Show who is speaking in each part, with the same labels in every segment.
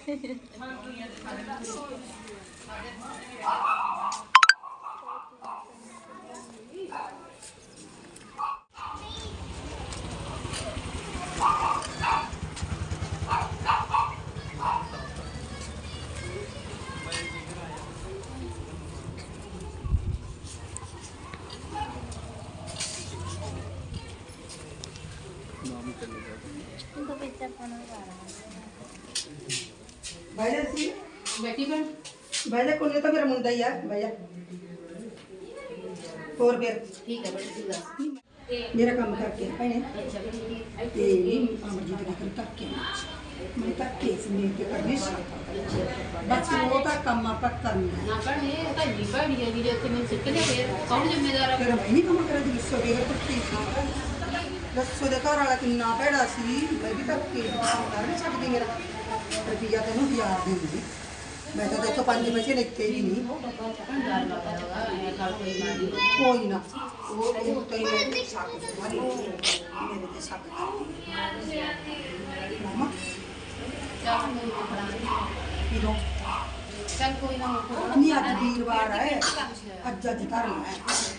Speaker 1: बैठी बन
Speaker 2: भाई जा कोने तो मेरा मुंडा ही है भाई जा और फिर
Speaker 1: ठीक है बड़ी
Speaker 2: मेरा काम करके पहले
Speaker 1: अच्छा
Speaker 2: ते अमरजीत ने कर करके मैं करके इसमें ते करने बस वो तो काम आप करना है
Speaker 1: ना पढ़ने तो नहीं पढ़ी है वीडियो के में सीख लिया फिर कौन जिम्मेदार है
Speaker 2: तेरा मैं नहीं काम करा जिस सो के पत्ती दसो दे घर वाला किन्ना भैड़ा सी मैं भी करके काम कर नहीं सकदी मेरा रुपया तेनू 1000 देंगी मैं तो देखो 5 पैसे लेते ही नहीं कोई ना वो तो ही मेरे साथ मामा
Speaker 1: चल कोई ना
Speaker 2: नहीं आज वीरवार है आज आज धर्म है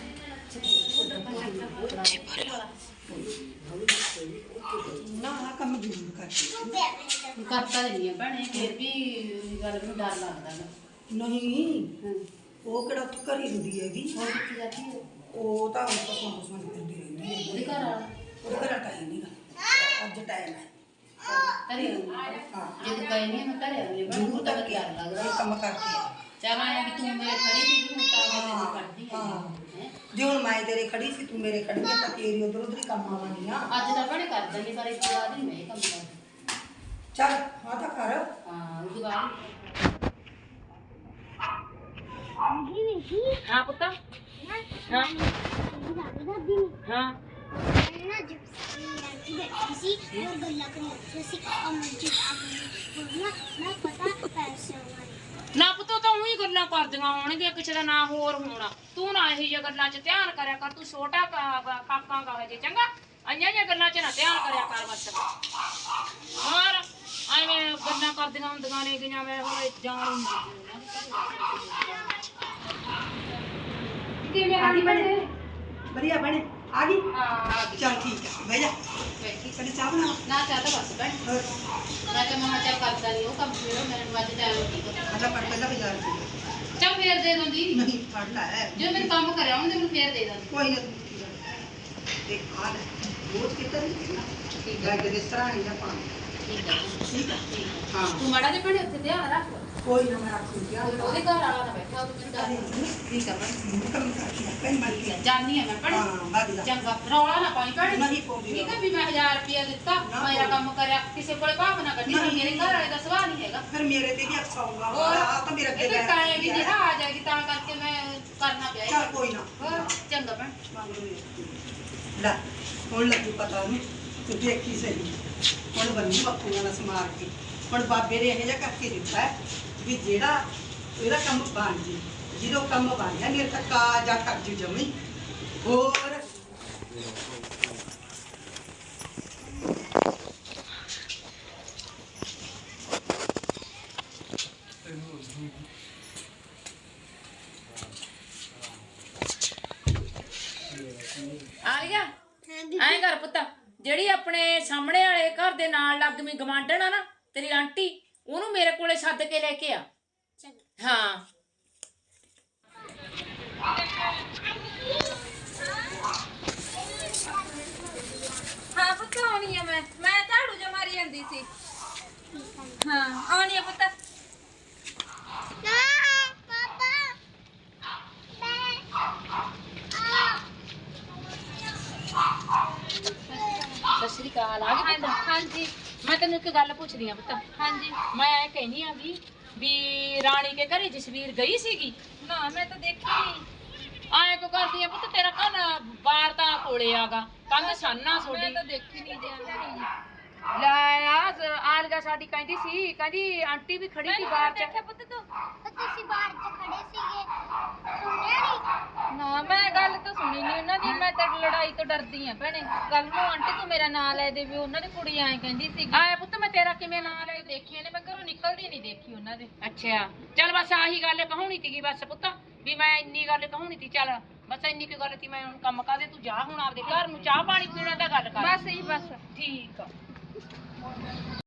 Speaker 2: ना कम जरूर
Speaker 1: करता नहीं है बने फिर भी गल में डर लगता है
Speaker 2: नहीं वो केड़ा तो कर ही रही हैगी
Speaker 1: और कितनी जाती है
Speaker 2: वो तो हम सुन करती रहती है
Speaker 1: ਉਹਦੇ ਘਰ ਵਾਲਾ
Speaker 2: वो करा टाइम नहीं आज टाइम है
Speaker 1: ਘਰੇ ਆਉਂਦੀ ਜੇ ਕਹੇ ਨਹੀਂ ਮੈਂ ਘਰੇ ਆਉਂਦੀ ਬਣ
Speaker 2: जरूर
Speaker 1: ਉਹ ਤਾਂ
Speaker 2: करके
Speaker 1: ਵਧੀਆ ਲੱਗਦਾ
Speaker 2: काम करके
Speaker 1: चल आया कि तू मेरे खड़ी थी ਹੁਣ ਤਾਂ ਮੈਂ ਕਰਦੀ
Speaker 2: हाँ
Speaker 1: ਹੈ
Speaker 2: जो हम मैं तेरे खड़ी सी तू मेरे खड़ी है तो तेरी उधर उधर ही काम आवानी ना
Speaker 1: ਅੱਜ ਤਾਂ ਬੜੇ ਕਰ ਦਿੰਦੀ ਪਰ ਇਸ ਤੋਂ ਬਾਅਦ ਨਹੀਂ ਮੈਂ ਇਹ ਕੰਮ ਕਰਦੀ
Speaker 2: चल हाँ तो कर
Speaker 1: ਹਾਂ ਉਸ ਤੋਂ ਬਾਅਦ हाँ पुत्ता हाँ हाँ ना पुत्तो तो उही गल्लां करदियां होणगीਆਂ ਕਿਸੇ ਦਾ ਨਾ ਹੋਰ ਹੋਣਾ ਤੂੰ ਨਾ ਇਹੀ ਜਿਹੀਆਂ ਗੱਲਾਂ 'ਚ ਧਿਆਨ ਕਰਿਆ ਕਰ ਤੂੰ ਛੋਟਾ ਕਾਕਾ ਗਾ ਜੇ ਚੰਗਾ ਅੰਨਿਆਂ ਜਿਹੀਆਂ ਗੱਲਾਂ 'ਚ ਨਾ ਧਿਆਨ ਕਰਿਆ ਕਰ ਬਸ ਹੋਰ ਐਵੇਂ ਗੱਲਾਂ ਕਰਦੀਆਂ ਹੁੰਦੀਆਂ ਨੇ ਗਈਆਂ ਮੈਂ ਹੁਣ ਜਾਣ
Speaker 2: आगी बने बढ़िया बने आगी
Speaker 1: हाँ
Speaker 2: चल ठीक है भैया पहले चाय बना
Speaker 1: ना चाहता बस बैठ मैं तो महा चल करता नहीं वो कम फिर मेरे बाद टाइम ठीक है
Speaker 2: अच्छा पर पहला बाजार से
Speaker 1: चल फिर दे दूंगी
Speaker 2: नहीं फड़ ला है
Speaker 1: जो मेरे काम कर रहा हूं तो मैं फिर दे दूंगी
Speaker 2: कोई ना देख आ रोज कितना ठीक है के तरह नहीं ना पानी
Speaker 1: ठीक है
Speaker 2: ठीक है हां
Speaker 1: तू माड़ा जे पड़े ਉੱਥੇ ध्यान रख
Speaker 2: कोई ना मैं रखूं क्या
Speaker 1: ਉਹਦੇ ਘਰ ਵਾਲਾ ਨਾ ਬੈਠਾ ਉਹ ਮੈਨੂੰ ਡਰ ਠੀਕ ਹੈ
Speaker 2: कम कर कहीं मत किया
Speaker 1: ਜਾਨੀ ਹੈ ਮੈਂ ਪੜੇ
Speaker 2: हां भाग जा
Speaker 1: ਚੰਗਾ ਰੌਲਾ ਨਾ ਪਾਈ ਪੜੇ
Speaker 2: नहीं पौड़ी
Speaker 1: ਠੀਕ ਹੈ ਵੀ ਮੈਂ 1000 ਰੁਪਏ ਦਿੱਤਾ ਮੇਰਾ ਕੰਮ ਕਰਿਆ ਕਿਸੇ ਕੋਲੇ ਭਾਵ ਨਾ ਕੱਢੀ ਮੇਰੇ ਘਰ ਵਾਲੇ ਦਾ ਸਵਾਲ ਨਹੀਂ ਹੈਗਾ
Speaker 2: फिर मेरे ते भी अच्छा होगा
Speaker 1: और
Speaker 2: आ तो मेरा
Speaker 1: ਇਹ ਤਾਂ ਟਾਈਮ ਵੀ ਜਿਹੜਾ ਆ ਜਾਏਗੀ ਤਾਂ ਕਰਕੇ ਮੈਂ ਕਰਨਾ ਪਿਆ
Speaker 2: चल कोई ना
Speaker 1: ਹੋਰ ਚੰਗਾ ਭੈਣ
Speaker 2: ला कौन लगी पता नहीं तू देखी सही कौन बनी बापू वाला समार के ਹੁਣ ਬਾਬੇ ਨੇ ਇਹ ਜਿਹਾ ਕਰਕੇ ਦਿੱਤਾ ਹੈ ਵੀ ਜਿਹੜਾ ਇਹਦਾ ਕੰਮ ਬਣ ਜੇ ਜਦੋਂ ਕੰਮ ਬਣ ਗਿਆ ਮੇਰੇ ਤੱਕ ਆ ਜਾ ਕਰ ਜੂ ਜਮੀ ਹੋਰ
Speaker 1: ਆ ਗਿਆ ਐਂ ਕਰ ਪੁੱਤ ਜਿਹੜੀ ਆਪਣੇ ਸਾਹਮਣੇ ਵਾਲੇ ਘਰ ਦੇ ਨਾਲ ਲੱਗਵੀਂ ਗਵਾਂਢਣ ਆ ਨਾ ਤੇਰੀ ਆਂਟੀ ਉਹਨੂੰ ਮੇਰੇ ਕੋਲੇ ਸੱਦ ਕੇ ਲੈ ਕੇ ਆ ਹਾਂ
Speaker 3: हाँ पुत्त आनी है मैं झाड़ू जो मारी जाती सी हाँ आनी है पुत्त
Speaker 1: ਸਤਿ ਸ਼੍ਰੀ ਅਕਾਲ ਆ ਗਈ ਪੁੱਤ
Speaker 3: हाँ जी
Speaker 1: ਮੈਂ ਤੈਨੂੰ ਇੱਕ ਗੱਲ ਪੁੱਛਦੀ ਆ ਪੁੱਤ
Speaker 3: हाँ जी
Speaker 1: ਮੈਂ ਇਹ ਕਹਿੰਦੀ ਆ ਵੀ ਰਾਣੀ ਕੇ ਘਰੇ ਜਸਵੀਰ ਗਈ ਸੀਗੀ
Speaker 3: ना मैं तो देखी नहीं
Speaker 1: ਆਏ ਕੋ ਕਰਦੀ ਆ ਪੁੱਤ ਤੇਰਾ ਕੰਨ ਬਾਰ ਤਾਂ ਕੋਲੇ ਆਗਾ ਕੰਨ ਸਾਨਾ
Speaker 3: मैं
Speaker 1: ਛੋਡੀ
Speaker 3: तो देखी नहीं जी
Speaker 1: ਲੈ ਆਲਗਾ ਸਾਡੀ ਕਹਿੰਦੀ ਸੀ ਕਹਿੰਦੀ ਆਂਟੀ ਵੀ ਖੜੀ ਸੀ ਬਾਹਰ ਚ
Speaker 3: देखा पुत्त तू
Speaker 4: ਤੁਸੀਂ ਬਾਹਰ ਚ ਖੜੇ ਸੀਗੇ ਸੁਣਿਆ ਨਹੀਂ
Speaker 3: ਨਾ ਮੈਂ ਗੱਲ ਤਾਂ ਸੁਣੀ ਨਹੀਂ ਉਹਨਾਂ ਦੀ ਮੈਂ ਤਾਂ ਲੜਾਈ ਤੋਂ ਡਰਦੀ ਆ ਭੈਣੇ ਕੱਲ ਨੂੰ ਆਂਟੀ ਤੂੰ ਮੇਰਾ ਨਾਂ ਲੈ ਦੇ ਵੀ ਉਹਨਾਂ ਦੀ ਕੁੜੀ ਐਂ ਕਹਿੰਦੀ ਸੀ
Speaker 1: ਆਏ ਪੁੱਤ ਮੈਂ ਤੇਰਾ ਕਿਵੇਂ ਨਾਂ ਲੈ
Speaker 3: ਦੇਖੇ ਨੇ ਮੈਂ ਘਰੋਂ ਨਿਕਲ ਨਿਕਲਦੀ ਨਹੀਂ ਦੇਖੀ ਉਹਨਾਂ ਦੇ।
Speaker 1: ਅੱਛਾ ਚੱਲ ਬਸ ਆਹੀ ਗੱਲ ਕਹਾਉਣੀ ਸੀਗੀ ਬਸ ਪੁੱਤ ਵੀ ਮੈਂ ਇੰਨੀ ਗੱਲ ਕਹਾਉਣੀ ਸੀ। ਚੱਲ ਬਸ ਇੰਨੀ ਕੁ ਗੱਲ ਸੀ। ਮੈਂ ਹੁਣ ਕੰਮ ਕਾਦੇ ਤੂੰ ਜਾ ਹੁਣ ਆਪਦੇ ਘਰ ਨੂੰ ਚਾਹ ਪਾਣੀ ਪੀਣਾ ਤਾਂ ਗੱਲ ਕਰ
Speaker 3: ਬਸ ਹੀ ਬਸ।
Speaker 1: ਠੀਕ ਆ।